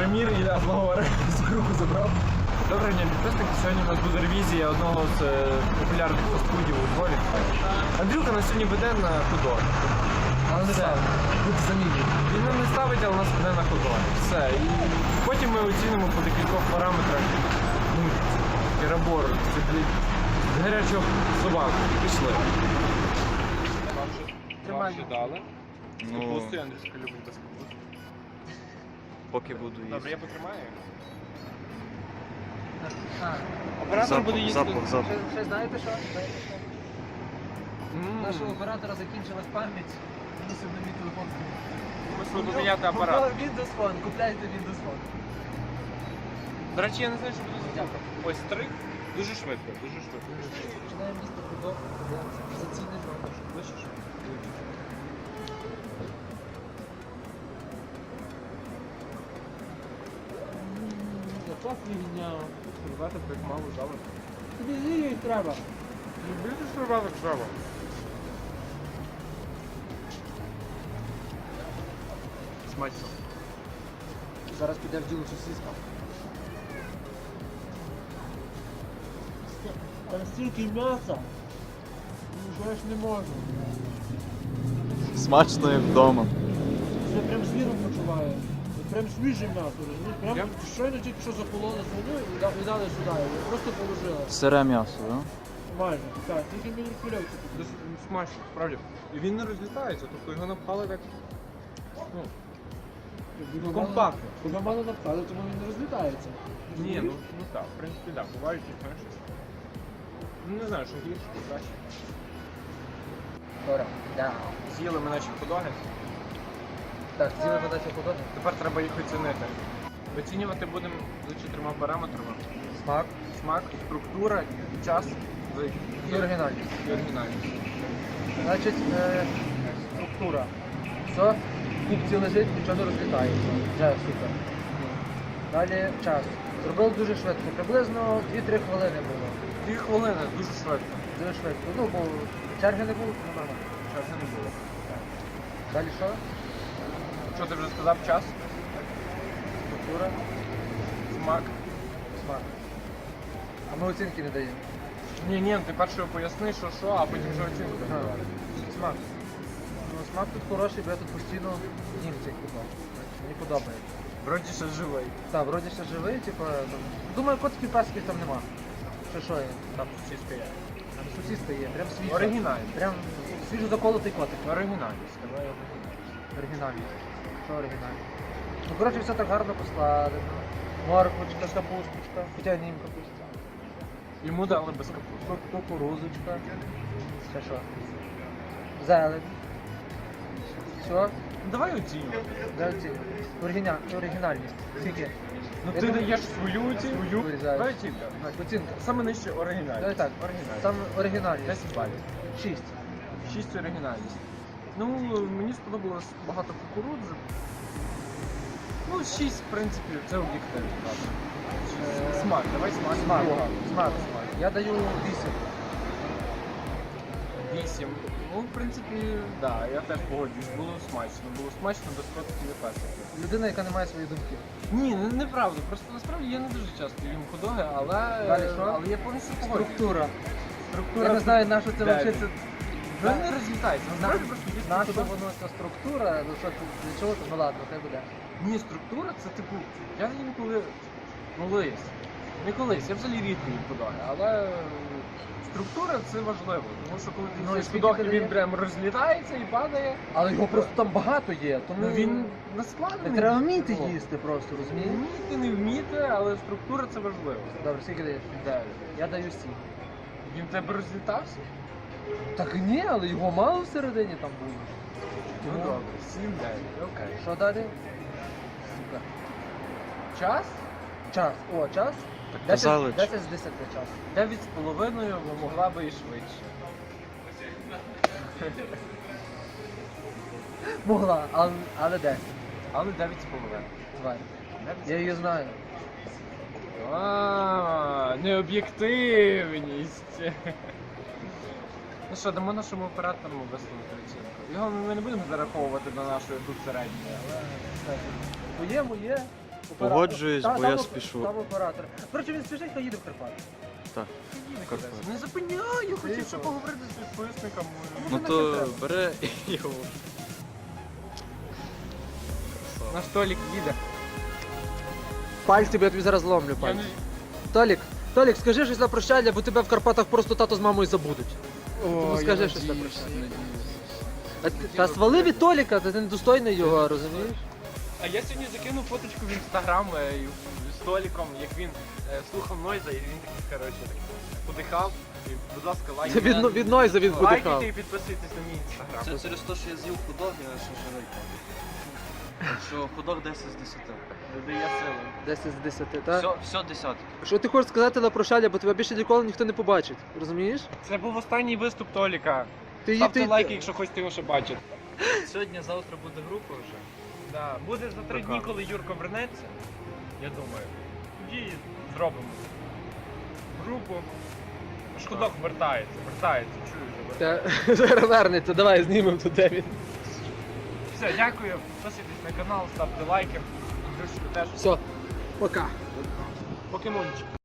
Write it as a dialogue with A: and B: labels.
A: Рамір і знову руку забрав. Доброго дня, підписники. Сьогодні у нас буде ревізія одного з популярних фастфудів у Львові. Андрюха нас сьогодні веде на худо.
B: Але не ставить. Будь замінює.
A: Він нам не ставить, але нас веде на худо. Все. І потім ми оцінимо по декількох параметрах. Керабор, гарячого собаку. Пішли. Вам вже дали. Капусту, Андрюшка любить без капусти.
C: Поки буду їсти.
A: Добре, я потримаю.
B: Оператор буде їсти.
C: Запах.
B: Ще знаєте що? Нашого оператора закінчилась пам'ять. Мусив на мій телефон.
A: Мусили поміняти апарат.
B: Windows Phone, купляйте Windows Phone.
A: До речі, я не знаю, що буду зробити. Ось стриг. Дуже швидко, дуже швидко.
B: Починаємо місто худо, зацінимо.
A: Вище що?
B: Яка фігня.
A: Сервати так мало жали.
B: Тобі її треба.
A: Любити серваток жава. Смачно.
B: Зараз піде в діло сосиска. Там стільки м'яса. Що я ж не можу.
C: Смачно як вдома.
B: Я прям звіром почуваю. Прям свіже м'ясо, розумієш? Прям щойно тільки що закололи свиню і дали сюди. Його просто положили.
C: Сире м'ясо, так?
B: Майже. Так, тільки мені кульовці.
A: Дуже смачно, справді. І він не розлітається, тобто його напхали так. Компактно.
B: Куди мало напхали, тому він не розлітається.
A: Ні, ну так, в принципі, так. Бувають, знаєш. Ну не знаю, що гірше, що краще.
B: Добре. Да.
A: З'їли ми наші подоги.
B: Так, з'їли подачу подобні.
A: Тепер треба їх оцінити. Оцінювати будемо за 4 параметрами.
B: Смак.
A: Смак, структура, час
B: І оригінальність.
A: і оригінальність.
B: Значить, структура. Все, в купці лежить, нічого не розлітається. Вже супер. Далі час. Зробили дуже швидко. Приблизно 2-3 хвилини було.
A: 2 хвилини, дуже швидко.
B: Дуже швидко. Ну, бо черги не було, тому нормально.
A: Часу не було.
B: Далі що?
A: Що ти вже сказав? Час,
B: Структура,
A: смак.
B: смак. А ми оцінки не даємо.
A: Ні, ти перше поясни, що, а потім вже оцінку
B: Ага.
A: давати.
B: Смак. Ну, смак тут хороший, бо я тут постійно їм цей куток. Мені подобається.
A: Вроді ще живий.
B: Так, вроді ще живий, типу, там... Думаю, котиків перських там нема. Що є?
A: Там чистка є.
B: Там сосиска є, прям свіжа.
A: Оригінальний.
B: Прям свіжо заколотий котик.
A: Оригінальність. Давай оригінальність.
B: Оригінальний. Що оригінальний? Ну, коротше, все так гарно поскладено. Морквочка, капусточка. Хоча не їм капуста.
A: Йому дали без капусти.
B: Кукурузочка. Ще що? Зелень. Все.
A: Ну, давай оцінюємо.
B: Оригінальність. Скільки?
A: Ну
B: Я
A: ти
B: думаю,
A: даєш свою оцінку.
B: вирізаєш.
A: Давай оцінка.
B: Оцінка.
A: Саме нижче оригінальність.
B: Давай так.
A: Оригінальність.
B: Саме оригінальність.
A: 10 балів.
B: 6.
A: 6 оригінальність. Ну, мені сподобалось багато кукурудзи. Ну, 6, в принципі, це об'єктивно. правда. Смак, давай смак.
B: Смак.
A: Друга.
B: Смак. Я даю 8.
A: 8. Ну, в принципі, так, да, я теж погоджуюсь. Було смачно без котиків і песиків.
B: Людина, яка не має своєї думки.
A: Ні, неправда. Просто насправді я не дуже часто їм худоги,
B: Далі що?
A: але я повністю погоджуюсь.
B: Структура.
A: Структура.
B: Я не знаю, на що це
A: Дев'ять.
B: взагалі.
A: Ну, не розлітається. Насправді просто є
B: На що
A: худоги.
B: воно ця структура, ну що це, для чого це? Ну ладно, хай буде.
A: Ні, структура це типу, я інколи, не колись, я взагалі рідко їм худоги, але структура це важливо, тому що коли
B: Ну,
A: ти
B: і
A: їсиш
B: скільки
A: худог,
B: ти
A: і він
B: даєш?
A: прям розлітається і падає,
B: Але його просто там багато є, тому
A: ну він наскладений.
B: не треба вміти
A: О,
B: їсти просто, розумієш?
A: Вміти, не вміти, але структура це важливо.
B: Добре, скільки даєш?
A: 9.
B: Я даю 7.
A: Він в тебе розлітався?
B: Так ні, але його мало всередині там було.
A: Ну
B: Ну.
A: добре, 7-9, окей.
B: Що далі? Сука.
A: Час?
B: Час. О, час.
C: казали,
B: 10 з 10 час.
A: 9,5, бо могла би і швидше.
B: Могла, але 10.
A: Але 9,5.
B: Звай. Я її знаю.
A: Необ'єктивність. Ну що, дамо нашому оператору висловити оцінку. Його ми не будемо зараховувати до нашої тут середньої, але
B: Моє.
C: Погоджуюсь, бо я
B: Там
C: спішу.
B: оператор. Коротше, він спішить, то їде в Карпати.
C: Так. Карпат.
A: Не зупиняй, я хотів ще поговорити з підписниками.
C: Ну то бере і його.
A: Наш Толік їде.
B: Пальці, бо я тобі зараз зломлю
A: Я
B: пальці.
A: не...
B: Толік, скажи щось на прощання, бо тебе в Карпатах просто тато з мамою забудуть.
A: О,
B: скажи
A: я
B: щось
A: надіюсь,
B: таке.
A: надіюсь.
B: Та свали від Толіка, ти недостойний його, розумієш?
A: А я сьогодні закинув фоточку в інстаграм з Толіком, як він слухав Нойза, і він такий, коротше, подихав. І, будь ласка, лайкайте.
B: Від Нойза він подихав.
A: Лайкайте і підписуйтесь на мій інстаграм.
C: Це через те, що я з'їв худок, я ще живий. Так що худок 10 з 10.
A: Додає сили.
B: 10 з 10, так?
C: Все десятки.
B: Що ти хочеш сказати на прощання, бо тебе більше ніколи ніхто не побачить, розумієш?
A: Це був останній виступ Толіка.
B: Ти
A: Ставте лайки, якщо хочете його ще бачити.
C: Сьогодні, завтра буде група вже.
A: Да. Буде за 3 дні, коли Юрко вернеться. Я думаю. Тоді зробимо групу. Шкодок вертається, чую.
B: Та зараз вернеться, давай знімемо тут де він.
A: Все, дякую. Підписуйтесь на канал, ставте лайки. Друзі, теж
B: Все, пока.
A: покемончик.